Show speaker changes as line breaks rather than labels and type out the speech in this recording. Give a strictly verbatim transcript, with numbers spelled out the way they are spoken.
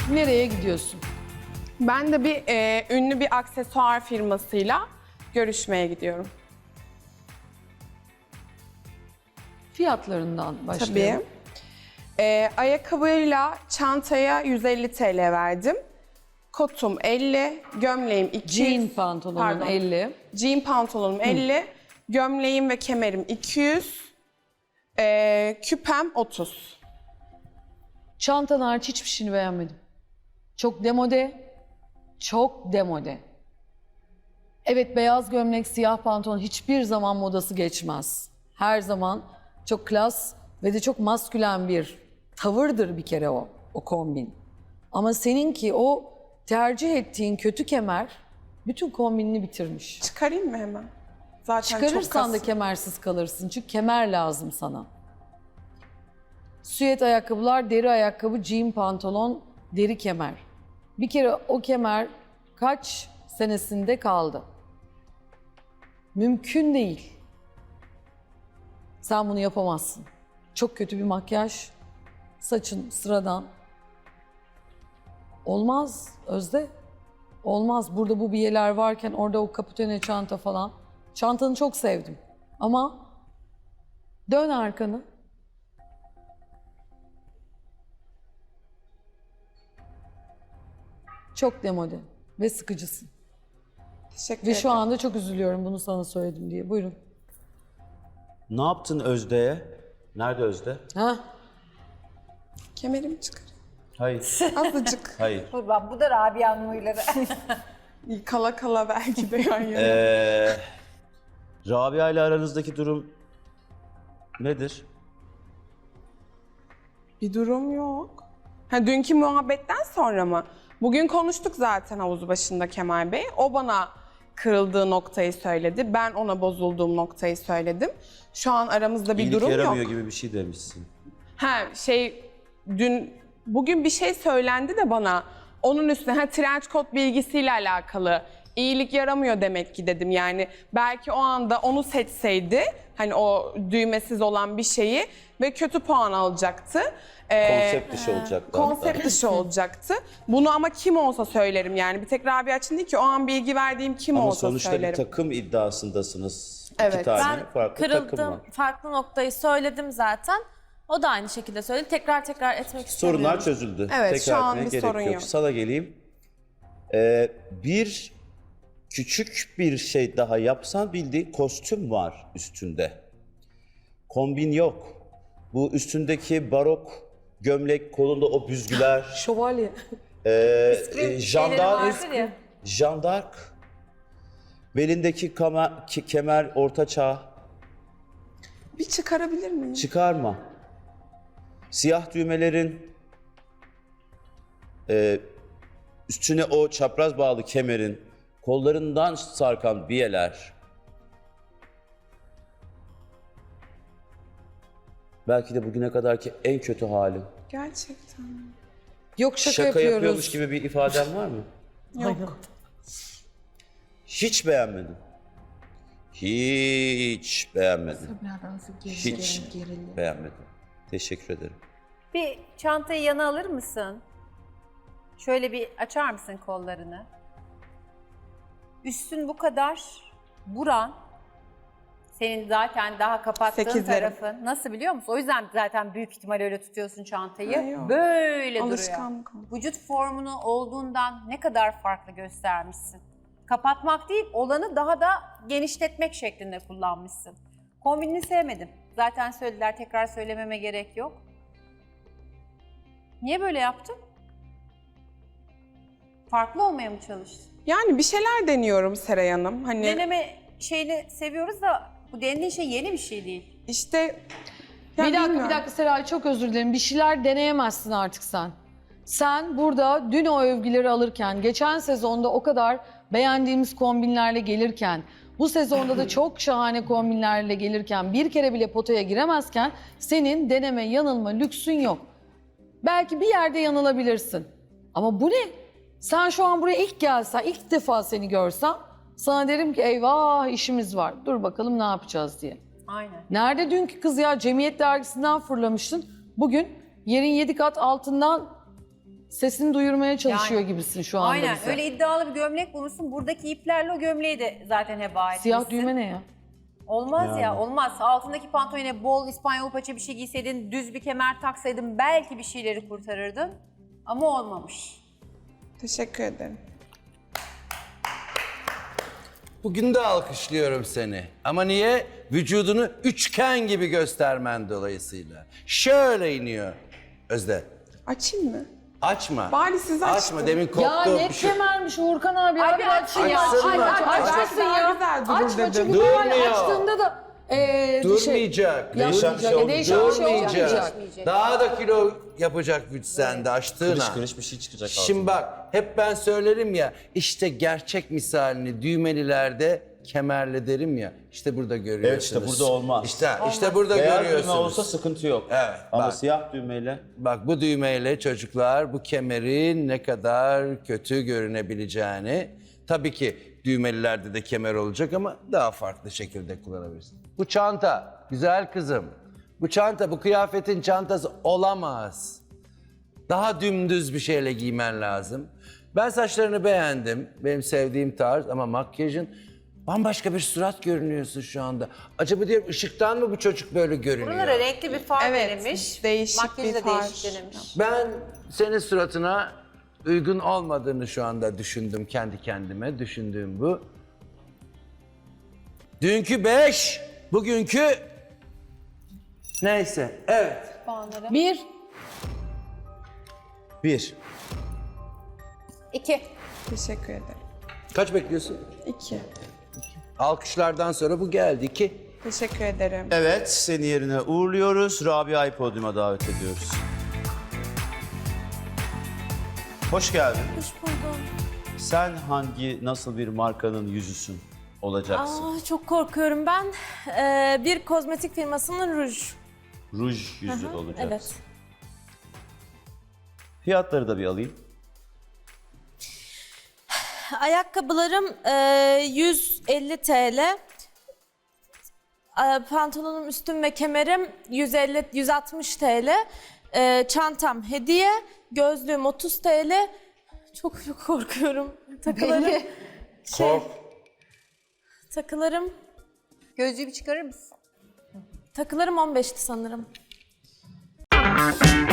Nereye gidiyorsun?
Ben de bir e, ünlü bir aksesuar firmasıyla görüşmeye gidiyorum.
Fiyatlarından başlayalım.
Tabii. E, ayakkabıyla çantaya yüz elli TL verdim. Kotum elli, gömleğim iki yüz.
Jean pantolonun
Pardon.
elli.
Jean pantolonum elli, gömleğim ve kemerim iki yüz, e, küpem otuz.
Çantan hariç hiçbir şeyini beğenmedim. Çok demode, çok demode. Evet, beyaz gömlek, siyah pantolon hiçbir zaman modası geçmez. Her zaman çok klas ve de çok maskülen bir tavırdır bir kere o, o kombin. Ama seninki o tercih ettiğin kötü kemer bütün kombinini bitirmiş.
Çıkarayım mı hemen? Zaten çok
Çıkarırsan da
kas.
kemersiz kalırsın çünkü kemer lazım sana. Süet ayakkabılar, deri ayakkabı, jean pantolon, deri kemer. Bir kere o kemer kaç senesinde kaldı? Mümkün değil. Sen bunu yapamazsın. Çok kötü bir makyaj, saçın sıradan. Olmaz Özde. Olmaz. Burada bu biyeler varken orada o kaputene çanta falan. Çantanı çok sevdim. Ama dön arkanı. Çok demode ve sıkıcısın.
Teşekkür
Ve
ederim.
şu anda çok üzülüyorum bunu sana söyledim diye. Buyurun.
Ne yaptın Özde'ye? Nerede Özde?
Ha?
Kemerimi çıkar.
Hayır.
Azıcık.
Hayır.
Kurban, bu da Rabia'nın huyları.
Kala kala belki de yan yana.
Ee, Rabia ile aranızdaki durum nedir?
Bir durum yok. Ha, dünkü muhabbetten sonra mı? Bugün konuştuk zaten havuz başında Kemal Bey. O bana kırıldığı noktayı söyledi. Ben ona bozulduğum noktayı söyledim. Şu an aramızda bir
İyilik
durum
yaramıyor
yok.
gibi bir şey demişsin.
Ha şey dün bugün bir şey söylendi de bana onun üstüne ha trench coat bilgisiyle alakalı iyilik yaramıyor demek ki dedim. Yani belki o anda onu seçseydi hani o düğmesiz olan bir şeyi ve kötü puan alacaktı. Ee,
Konsept dışı olacaktı.
konsept dışı olacaktı. Bunu ama kim olsa söylerim yani. Bir tek Rabia için değil ki o an bilgi verdiğim kim
Ama
olsa
sonuçta
söylerim.
bir takım iddiasındasınız. İki
Evet.
tane
Ben
farklı takım
kırıldım,
var.
farklı noktayı söyledim zaten. O da aynı şekilde söyledi. Tekrar tekrar etmek istemiyorum.
Sorunlar çözüldü.
Evet,
Tekrar
şu an
etmeye
bir
gerek
sorun
yok.
yok.
Sana geleyim. Ee, bir küçük bir şey daha yapsan bildiğin kostüm var üstünde. Kombin yok. Bu üstündeki barok gömlek, kolunda o büzgüler,
Şövalye.
e, e,
Şeyleri
jandark,
vardır ya.
jandark, belindeki kama- ke- kemer ortaçağ,
Bir çıkarabilir miyim?
çıkarma. Siyah düğmelerin, e, üstüne o çapraz bağlı kemerin, kollarından sarkan biyeler. Belki de bugüne kadarki en kötü halin.
Gerçekten.
Yok şaka,
Şaka
yapıyoruz.
yapıyormuş gibi bir ifaden var mı?
Yok.
Hiç beğenmedim. Hiç beğenmedim. Hiç beğenmedim. Teşekkür ederim.
Bir çantayı yana alır mısın? Şöyle bir açar mısın kollarını? Üstün bu kadar buran, senin zaten daha kapattığın
Sekizlerim.
tarafın. Nasıl biliyor musun? O yüzden zaten büyük ihtimal öyle tutuyorsun çantayı.
Ha, yok.
Böyle duruyor.
Alışkanlık oldu.
Vücut formunu olduğundan ne kadar farklı göstermişsin. Kapatmak değil, olanı daha da genişletmek şeklinde kullanmışsın. Kombinini sevmedim. Zaten söylediler, tekrar söylememe gerek yok. Niye böyle yaptın? Farklı olmaya mı çalıştın?
Yani bir şeyler deniyorum Seray Hanım. Hani
Deneme şeyini seviyoruz da bu denediğin şey yeni bir şey değil.
işte ya
Bir dakika
bilmiyorum.
bir dakika Seray, çok özür dilerim. Bir şeyler deneyemezsin artık sen. Sen burada dün o övgüleri alırken, geçen sezonda o kadar beğendiğimiz kombinlerle gelirken, bu sezonda da çok şahane kombinlerle gelirken, bir kere bile potaya giremezken senin deneme, yanılma lüksün yok. Belki bir yerde yanılabilirsin. Ama bu ne? Sen şu an buraya ilk gelsen, ilk defa seni görsem sana derim ki eyvah işimiz var. Dur bakalım ne yapacağız diye.
Aynen.
Nerede dünkü kız ya? Cemiyet dergisinden fırlamıştın. Bugün yerin yedi kat altından sesini duyurmaya çalışıyor
Yani,
gibisin şu anda
Aynen
bize.
öyle iddialı bir gömlek bulmuşsun. Buradaki iplerle o gömleği de zaten heba etmişsin.
Siyah düğme ne ya?
Olmaz ya
Yani.
olmaz. Altındaki pantolone bol İspanyol paça bir şey giyseydin, düz bir kemer taksaydın belki bir şeyleri kurtarırdın. Ama olmamış.
Teşekkür ederim.
Bugün de alkışlıyorum seni. Ama niye? Vücudunu üçgen gibi göstermen dolayısıyla. Şöyle iniyor. Özde.
Açayım mı?
Açma.
Bari siz açtın.
Açma. Demin koptu
Ya ne
bir şey.
kemermiş Uğurkan abi.
Ay
Abi
bir
açsın
açsın
ya.
ya.
Açsın
Aç,
mı?
aç, aç,
Belki
açsın
daha
ya.
güzel durur
Açma
dedim.
çünkü normal
Durmuyor.
açtığında da ee,
Durmayacak.
Şey,
Değişen bir şey
E,
olmayacak.
değişen bir şey
Durmayacak.
olmayacak.
Daha da kilo yapacak güç sende açtığına.
Kırış kırış bir şey çıkacak
Şimdi
altından.
bak hep ben söylerim ya işte gerçek misalini düğmelilerde kemerle derim ya işte burada görüyorsunuz.
Evet, işte burada olmaz.
İşte, işte burada
Beyaz düğme
görüyorsunuz.
olsa sıkıntı yok.
Evet,
Ama
bak.
siyah düğmeyle
Bak bu düğmeyle çocuklar bu kemerin ne kadar kötü görünebileceğini tabii ki düğmelilerde de kemer olacak ama daha farklı şekilde kullanabilirsin. Bu çanta güzel kızım. Bu çanta bu kıyafetin çantası olamaz. Daha dümdüz bir şeyle giymen lazım. Ben saçlarını beğendim. Benim sevdiğim tarz ama makyajın bambaşka bir surat görünüyorsun şu anda. Acaba diyorum ışıktan mı bu çocuk böyle görünüyor?
Buralara renkli bir far
Evet,
verilmiş.
değişik
Makyajı
bir
da
far.
değişik denemiş.
Ben senin suratına uygun olmadığını şu anda düşündüm kendi kendime. Düşündüğüm bu. Dünkü beş, bugünkü neyse. Evet.
Bir.
bir.
İki.
Teşekkür ederim.
Kaç bekliyorsun?
İki.
Alkışlardan sonra bu geldi. İki.
Teşekkür ederim.
Evet, seni yerine uğurluyoruz. Rabia'yı podyuma davet ediyoruz. Hoş geldin.
Hoş buldum.
Sen hangi, nasıl bir markanın yüzüsün olacaksın?
Aa, çok korkuyorum ben. Ee, bir kozmetik firmasının ruj.
Ruj yüzü
Hı,
olacaksın.
evet.
Fiyatları da bir alayım.
Ayakkabılarım e, yüz elli TL. E, Pantolonum, üstüm ve kemerim yüz elli yüz altmış TL. E, çantam hediye. Gözlüğüm otuz TL. Çok çok korkuyorum. Takılarım şey,
Kork.
takılarım
Gözlüğü bir çıkarır mısın?
takılarım on beşti sanırım.